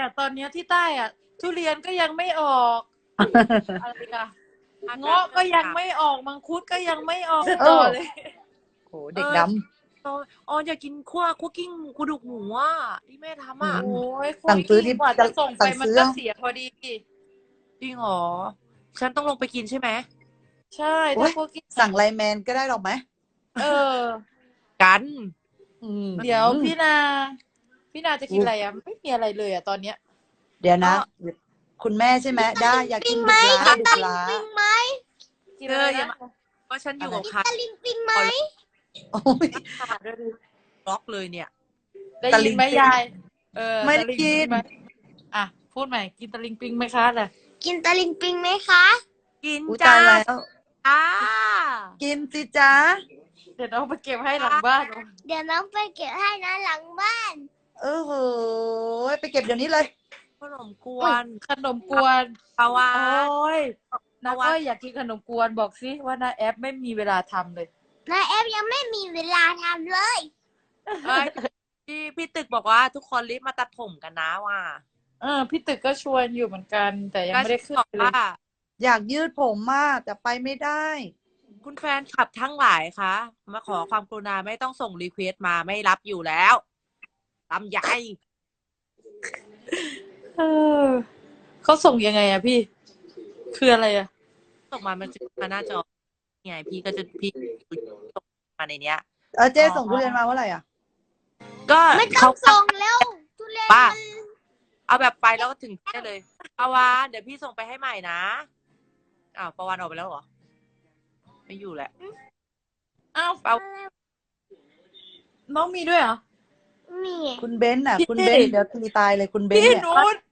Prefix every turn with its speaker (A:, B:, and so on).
A: ตอนเนี้ยที่ใต้อ่ะทุเรียนก็ยังไม่ออกอะไรกันเงาะก็ยังไม่ออกมังคุดก็ยังไม่ออกต่อเลย
B: โหเด็กด
C: อ๋ออยากกินคั่วกิ้งกระดูกหมูอ่ะที่แม่ทำอ่ะ
A: โอ้ย
B: สั่งซื้อที่
A: กว่าจะส่งไป
B: สั่ง
A: มัน
B: ซื้อ
A: ก็เสียพอดี
C: จริงเหรอฉันต้องลงไปกินใช่ไหม
A: ใช่
B: โอ๊
A: ถ้าย พวกกิน
B: สั่งไลน์แมนก็ได้หรอกไหม
A: เออ
C: กัน
A: เดี๋ยวพี่นาจะกินอะไรอ่ะไม่มีอะไรเลยอ่ะตอนเนี้ย
B: เดี๋ยวนะ คุณแม่ใช่ไหมได้อยากกินดุกล้าดุกล้า
D: ปิงไหม
A: กินอะไร
C: อย่า
A: นะ
C: มา เพราะฉันอยู่กับใคร
D: ตะลิงปิงไหม
B: โอ้ย
C: บล็อกเลยเนี่ย
A: ได้ยินไหมยาย
B: ไม่ได้
A: ตะลิง
B: กิ
A: ปิ
B: น
A: งไหมอ่ะพูดใหม่กินตะลิงปิงไหมคะน่ะ
D: กินตะลิงปิงไหมคะ
C: กิน
B: อุ้ย
C: จ้า
B: ตายแล้ว
C: จ้า
B: กินสิจ๊ะ
A: เดี๋ยวเอาไปเก็บให้หลังบ้าน
D: เดี๋ยวน้องไปเก็บให้นะหลังบ้าน
B: เออโหไปเก็บเดี๋ยวนี้เลย
C: ขนมกวน
A: ขนมกวน
C: ปาวา
A: โอ้ยนา
C: เอาวะ
A: ก็อยากกินขนมกวนบอกสิว่านาแอปไม่มีเวลาทำเลย
D: นาแอฟยังไม่มีเวลาทำเลย
C: เอ้ยพี่ตึกบอกว่าทุกคนรีบมาตัดผมกันนะว่า
A: พี่ตึกก็ชวนอยู่เหมือนกัน แต่ยังไม่ได้ขึ้น
C: บอก
A: เลย
C: ว่า
B: อยากยืดผมมากแต่ไปไม่ได้
C: คุณแฟนคลับทั้งหลายคะมาขอความกรุณาไม่ต้องส่งรีเควสต์มาไม่รับอยู่แล้วลำใหญ่
A: เขาส่งยังไงอะพี่ คืออะไรอะ
C: ส่งมามันจะมาหน้าจอไงพี่ก็จะพี่ส่งมาในเนี้ย
B: เจ๊ส่งทุเรียนมาเมื่อไหร่อ่ะ
C: ก็
D: ไม่ต้
C: เขา
D: องส่งแล้วทุเรียน
C: ป้า
D: มัน
C: เอาแบบไปแล้วก็ถึงได้เลยปาวานเดี๋ยวพี่ส่งไปให้ใหม่นะอ้าวปาวานออกไปแล้วเหรอไม่อยู่แหละ
A: อ้าว
C: เปล่า
A: น้องมีด้วยเหรอ
D: นี่
B: คุณเบนซ์น่ะ
A: พี่
B: คุณเบนซ์เดี๋ยวตีตายเลยคุณเบนซ์
A: พี่
B: เนี่ย
A: นุช